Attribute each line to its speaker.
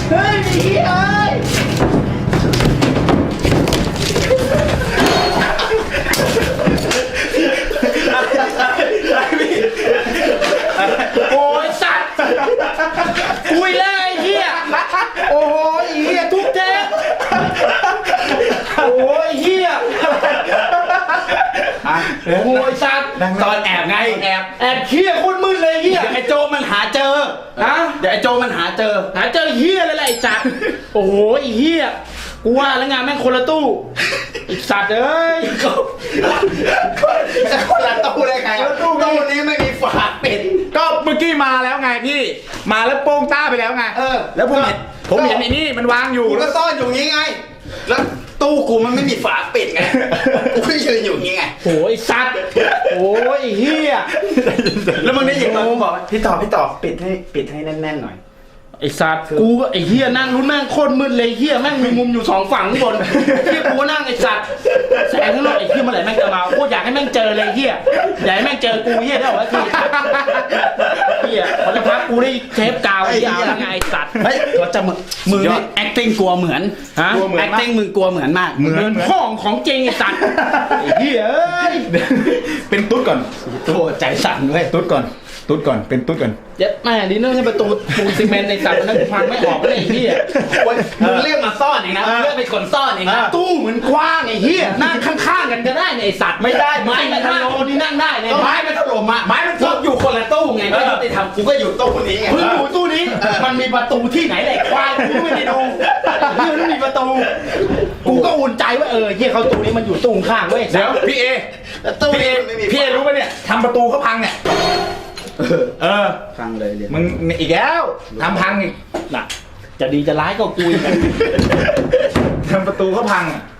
Speaker 1: เฮ้ยไอ้เหี้ยโอ้ยสัตว์คุยแล้วไอ้เหี้ยโอ้ยไอ้เหี้ยทุกเทปโอ้ยเหี้ยโอ้ยสัตว์ตอนแอบไงแอบเหี้ยโคตรมืดเลยเหี้ยไอ้โจมันหาเจอนะเดี๋ยวไอ้โจมันหาเจอเหี้ยเลยแหละไอ้สัตว์โอ้ยเหี้ยกูว่าแล้วงานแม่งคนละตู้ไอ้สัตว์เอ้ยคนละตู้ได้ไงตู้นี้ไม่มีฝาปิด
Speaker 2: ก็เมื่อกี้มาแล้วไงพี่มาแล้วโป้งต้าไปแล้วไงแล้วผมเห็นไอ้นี่มันวางอยู่
Speaker 1: กูก็ซ่อนอยู่งี้ไงแล้วตู้กูมันไม่มีฝาปิดไงกูก็ยืนอยู่งี้ไงโอ้ยสัตว์โอ้ยเฮียแล้วมึงได้ยินตอนกูบอกพี่ต่อปิดให้แน่นๆหน่อยไอ้สัตว์กูไอ้เฮียนั่งรุ่นแม่งโคตรมืดเลยเฮียแม่งมีมุมอยู่2ฝั่งข้างบนเฮียกูนั่งไอ้สัตว์แสงข้างนอกไอ้เฮียเมื่อไหร่แม่งจะมาโคตรอยากให้แม่งเจอเลยเฮียอยากให้แม่งเจอกูเฮียได้หรอทีเฮียพอจะพักกูได้เทปกาวไอ้เฮียไงไอ้สัตว์เฮ้ยเขาจะมือนี่ acting กลัวเหมือนฮะ acting มึงกลัวเหมือนมากเหมือนห้องของจริงไอ้สัตว์ไอ้เฮียเอ้ย
Speaker 2: เป็นตุ๊ดก่อน
Speaker 1: โธ่ใจสั่นด้วย
Speaker 2: ตุ๊ดก่อนเป็นตุ๊ดก่อน
Speaker 1: เย็ดแม่ดิเนอร์ให้ประตูปูนซีเมนต์ในสัตว์นั้นพังไม่ออกเลยไอ้เหี้ยมึงเรียกมาซ่อนเองนะเรียกเป็นคนซ่อนเองนะตู้เหมือนกว้างไอ้เหี้ยนั่งข้างๆกันก็ได้ในไอ้สัตว์ไม่ได้ไม้มันถล่มนี่นั่งได้เนี่ยไม้มันถล่มมาไม้มันถล่มอยู่คนละตู้ไงไม่ยุติธรรมกูก็อยู่ตู้นี้ไงมึงอยู่ตู้นี้มันมีประตูที่ไหนเลยควายกูไม่ได้ดูมันมีประตูกูก็อุ่นใจว่าเหี้ยเขาตู้นี้มันอยู่ตู้ข้างเว้ย
Speaker 2: เดี๋ยวพี่เอรู้ป่ะเนี่ยทำประตูเขาพังเนี่ย
Speaker 1: พังเลย
Speaker 2: มึงอีกแล้วทำพังอีก
Speaker 1: น่ะจะดีจะร้ายก็กู
Speaker 2: ทำประตูเขาพัง